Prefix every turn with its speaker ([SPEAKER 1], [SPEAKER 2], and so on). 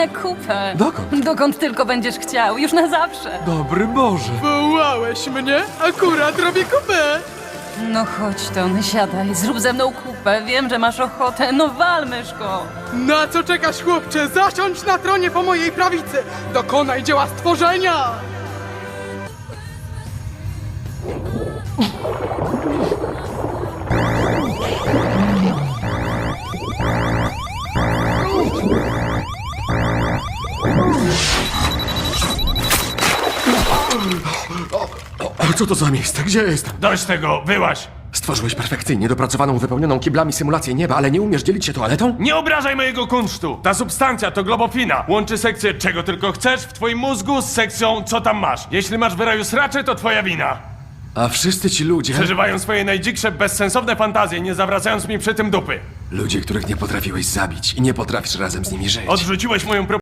[SPEAKER 1] kupę.
[SPEAKER 2] Dokąd?
[SPEAKER 1] Dokąd tylko będziesz chciał, już na zawsze.
[SPEAKER 2] Dobry Boże.
[SPEAKER 3] Wołałeś mnie? Akurat robię kupę.
[SPEAKER 1] No chodź, Ton, siadaj, zrób ze mną kupę. Wiem, że masz ochotę, no wal, myszko.
[SPEAKER 3] Na co czekasz, chłopcze? Zasiądź na tronie po mojej prawicy. Dokonaj dzieła stworzenia.
[SPEAKER 2] Co to za miejsce? Gdzie jestem?
[SPEAKER 4] Dość tego, wyłaź!
[SPEAKER 2] Stworzyłeś perfekcyjnie dopracowaną, wypełnioną kiblami symulację nieba, ale nie umiesz dzielić się toaletą?
[SPEAKER 4] Nie obrażaj mojego kunsztu! Ta substancja to globofina. Łączy sekcję czego tylko chcesz w twoim mózgu z sekcją co tam masz. Jeśli masz w raju sracze, to twoja wina.
[SPEAKER 2] A wszyscy ci ludzie...
[SPEAKER 4] Przeżywają swoje najdziksze, bezsensowne fantazje, nie zawracając mi przy tym dupy.
[SPEAKER 2] Ludzie, których nie potrafiłeś zabić i nie potrafisz razem z nimi żyć.
[SPEAKER 4] Odrzuciłeś moją propozycję.